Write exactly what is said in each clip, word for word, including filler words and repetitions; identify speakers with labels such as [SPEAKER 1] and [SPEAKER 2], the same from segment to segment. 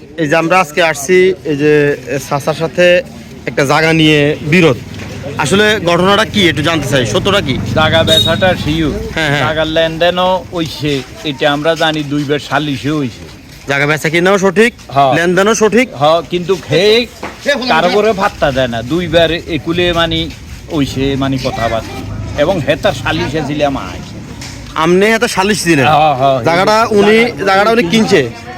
[SPEAKER 1] এই যে আমরা আজকে আসছি এই যে চাচার সাথে একটা জায়গা নিয়ে বিরোধ, আসলে ঘটনাটা কি একটু জানতে চাই, সত্যটা কি?
[SPEAKER 2] জায়গা বেচাটা শিউ
[SPEAKER 1] হ্যাঁ হ্যাঁ
[SPEAKER 2] জায়গার লেনদেনও হইছে, এটা আমরা জানি দুইবার সালিশে হইছে।
[SPEAKER 1] জায়গা বেচা কিনাও সঠিক,
[SPEAKER 2] হ্যাঁ।
[SPEAKER 1] লেনদেনও সঠিক।
[SPEAKER 2] হ কিন্তু খেয়ে কারো করে ভাত্তা দেয় না, দুইবার একুলে মানে হইছে মানে কথাবার্তা, এবং হেতার সালিশে ছিলাম আজ।
[SPEAKER 1] আমনে এত সালিশ দিলেন
[SPEAKER 2] হ্যাঁ, হ্যাঁ।
[SPEAKER 1] জায়গাটা, উনি জায়গাটা উনি কিনছে,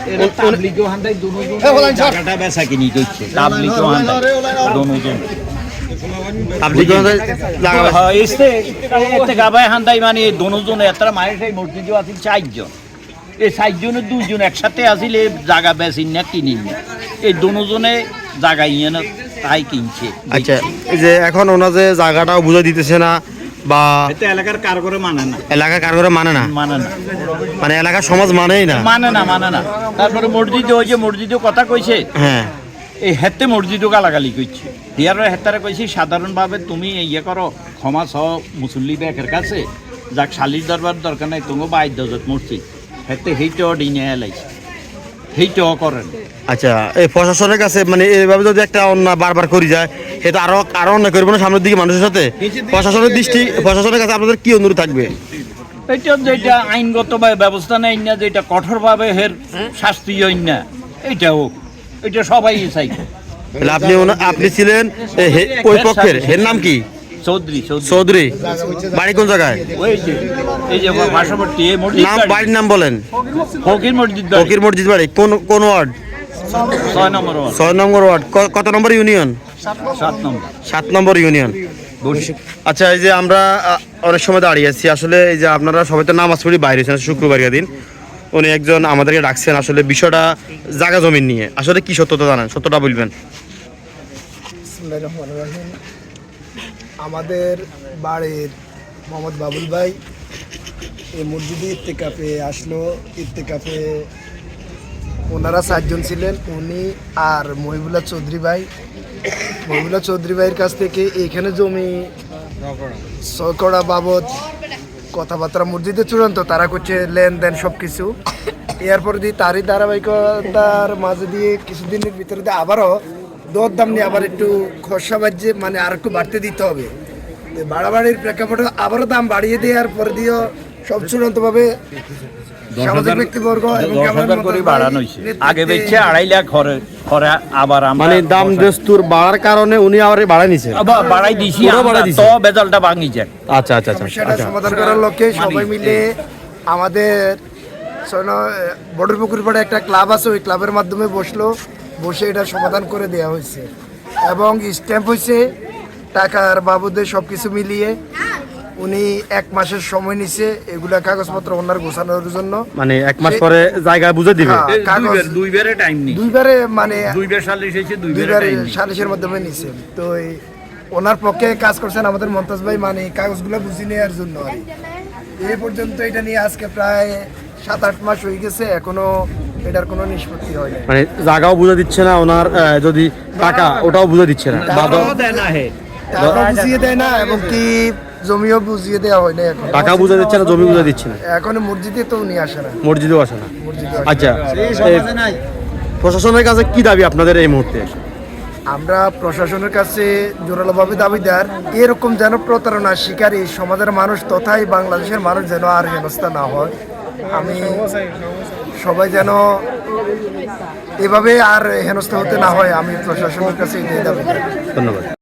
[SPEAKER 2] জায়গাটা বেচা কিনি করছে তাবলিগও হান্দাই দনোজন।
[SPEAKER 1] আপনি কোন জায়গা বেচা-
[SPEAKER 2] হ্যাঁ, এসে এতে গাবায় হান্দাই মানে দনোজন এতটা মায়ের সেই মসজিদও আছিল চারজন, এই চারজনের দুইজন একসাথে আছিল এই জায়গা বেচিন না কিনিন না, এই দনোজনে জায়গা ইয়ে না তাই কিনছে।
[SPEAKER 1] আচ্ছা, এই যে এখন ওনা যে জায়গাটাও বুঝে দিতেছে না বা
[SPEAKER 2] এতে এলাকার কার করে মানে না,
[SPEAKER 1] এলাকা কার করে মানে না,
[SPEAKER 2] মানে না
[SPEAKER 1] মানে এলাকার সমাজ মানেই না।
[SPEAKER 2] মানে না মানে না তারপরে মসজিদে ওই যে মসজিদে কথা কইছে,
[SPEAKER 1] হ্যাঁ
[SPEAKER 2] এই হেতে মসজিদও গালাগালি করছে। ইয়ার হেতারে কইছি সাধারণভাবে তুমি ইয়ে করো, ক্ষমা সহ মুসল্লি ব্যাকের কাছে যাক সালিশ দরবার দরকার নাই, তুমি বাইদ্য মসজিদ হেতে সেইটাও ডিনে এলাইছে, সেইটাও করেন।
[SPEAKER 1] আচ্ছা, এই প্রশাসনের কাছে মানে এইভাবে যদি একটা অন্যায় বারবার করে যায়, সেটা আরো আরো অন্যায় করবো না সামনের দিকে মানুষের সাথে। প্রশাসনের দৃষ্টি, প্রশাসনের কাছে আপনাদের কি অনুরোধ থাকবে?
[SPEAKER 2] এইটা যেটা আইনগত ব্যবস্থা নেই না, যেটা কঠোরভাবে হের শাস্তি হই না, এইটা হোক, এটা সবাই চাই।
[SPEAKER 1] তাহলে আপনি ওনা- আপনি ছিলেন এ, হে- ওই পক্ষের, এর নাম কি?
[SPEAKER 2] চৌধুরী চৌধুরী
[SPEAKER 1] চৌধুরী। বাড়ি কোন জায়গায়?
[SPEAKER 2] ওই যে এই যে পার্শ্ববর্তী এই মসজিদ
[SPEAKER 1] নাম,
[SPEAKER 2] বাড়ি।
[SPEAKER 1] বাড়ির নাম বলেন।
[SPEAKER 2] ফকির মসজিদ বাড়ি।
[SPEAKER 1] ফকির মসজিদ বাড়ি কোন কোন ওয়ার্ড?
[SPEAKER 2] ছয় নম্বর ওয়ার্ড,
[SPEAKER 1] ছয় নম্বর ওয়ার্ড। ক- কত নম্বর ইউনিয়ন?
[SPEAKER 2] সাত নম্বর।
[SPEAKER 1] সাত নম্বর ইউনিয়ন। আচ্ছা, এই যে আমরা আ, অনেক সময় দাঁড়িয়ে আছি, আসলে এই যে আপনারা সবাই তো নামাজ পড়ি বাইরে হয়েছেন শুক্রবার দিন, উনি একজন আমাদেরকে ডাকছেন, আসলে বিষয়টা জায়গা জমিন নিয়ে, আসলে কি সত্যতা জানেন, সত্যটা বলবেন।
[SPEAKER 3] বিসমিল্লাহির রহমানির রহিম। আমাদের বাড়ির মোহাম্মদ বাবুল ভাই এই মসজিদে ইত্তেকাফে আসলো। ইত্তেকাফে ওনারা চারজন ছিলেন, উনি আর মহিবুল্লাহ চৌধুরী ভাই। মহিবুল্লাহ চৌধুরী ভাইয়ের কাছ থেকে এইখানে জমি ছয়কড়া বাবদ কথাবার্তা মসজিদে চূড়ান্ত, তারা করছে লেনদেন সব কিছু। এরপর দিয়ে তারই ধারাবাহিকতার মাঝে দিয়ে কিছুদিনের ভিতরে দিয়ে আবারও দর দাম নিয়ে আবার একটু খরচা বাড়ছে, মানে আর একটু বাড়তে দিতে হবে। তো বাড়াবাড়ির প্রেক্ষাপটে আবারও দাম বাড়িয়ে দেওয়ার পর দিয়েও সব চূড়ান্তভাবে সামাজিক ব্যক্তিবর্গ এবং
[SPEAKER 2] দশ
[SPEAKER 3] আমার
[SPEAKER 2] হাজার
[SPEAKER 3] মতো
[SPEAKER 2] করে
[SPEAKER 3] ভাই
[SPEAKER 2] বাড়ানো হয়েছে,
[SPEAKER 3] নেতৃত্বে
[SPEAKER 2] আগে বেচছে আড়াই লাখ, ঘরে ঘরে আবার আমরা
[SPEAKER 1] মানে দাম দস্তুর বাড়ার কারণে উনি আবার বাড়াই নিছে।
[SPEAKER 2] আবার বাড়াই দিছি,
[SPEAKER 1] পুরো
[SPEAKER 2] আমরা
[SPEAKER 1] বাড়াই দিছি।
[SPEAKER 2] তো বেজালটা ভাঙি যায়।
[SPEAKER 1] আচ্ছা আচ্ছা আচ্ছা
[SPEAKER 3] সমস্যাটা
[SPEAKER 1] আচ্ছা।
[SPEAKER 3] সমাধান করার লক্ষ্যে সবাই মিলে আমাদের বর্ডার পুকুর পাড়ে একটা ক্লাব আছে, ওই ক্লাবের মাধ্যমে বসলো, বসে এটা সমাধান করে দেওয়া হয়েছে এবং স্ট্যাম্প হয়েছে টাকার বাবদে সব কিছু মিলিয়ে। উনি এক মাসের সময় নিছে এগুলা কাগজপত্র ওনার গোছানোর জন্য,
[SPEAKER 1] মানে এক মাস পরে জায়গা বুঝে দিবে।
[SPEAKER 3] হ্যাঁ, কাগজ
[SPEAKER 2] দুইবারে টাইম নেই,
[SPEAKER 3] দুইবারে মানে
[SPEAKER 2] দুইবার সালিশ হয়েছে, দুইবারে
[SPEAKER 3] দুইবারে
[SPEAKER 2] টাইম নেই।
[SPEAKER 3] সালিশের মাধ্যমে নিছে। তো এই ওনার পক্ষে কাজ করছেন আমাদের মমতাজ ভাই, মানে কাগজগুলো বুঝিয়ে নেওয়ার জন্য। আর এই পর্যন্ত এটা নিয়ে আজকে প্রায় সাত আট মাস হয়ে গেছে, এখনো এটার কোনো নিষ্পত্তি হয়নি।
[SPEAKER 1] মানে জায়গাও বুঝে দিচ্ছে না ওনার, আহ, যদি টাকা ওটাও বুঝে দিচ্ছে না। বাদ-
[SPEAKER 3] টাকা বুঝিয়ে দেয় না এবং কি জমিও বুঝিয়ে দেওয়া হয় না এখন।
[SPEAKER 1] টাকা বুঝে দিচ্ছে না, জমি বুঝে দিচ্ছে না,
[SPEAKER 3] এখন মসজিদে তো উনি আসে না,
[SPEAKER 1] মসজিদেও আসে না।
[SPEAKER 3] মসজিদে
[SPEAKER 1] আচ্ছা, এই প্রশাসনের কাছে কি দাবি আপনাদের এই মুহূর্তে?
[SPEAKER 3] আমরা প্রশাসনের কাছে জোরালোভাবে দাবিদার, এরকম যেন প্রতারণার শিকারী সমাজের মানুষ তথাই বাংলাদেশের মানুষ যেন আর হেনস্থা না হয়। আমি সবাই যেন এভাবে আর হেনস্থা হতে না হয়, আমি প্রশাসনের কাছে এটাই দাবিদার।
[SPEAKER 1] ধন্যবাদ।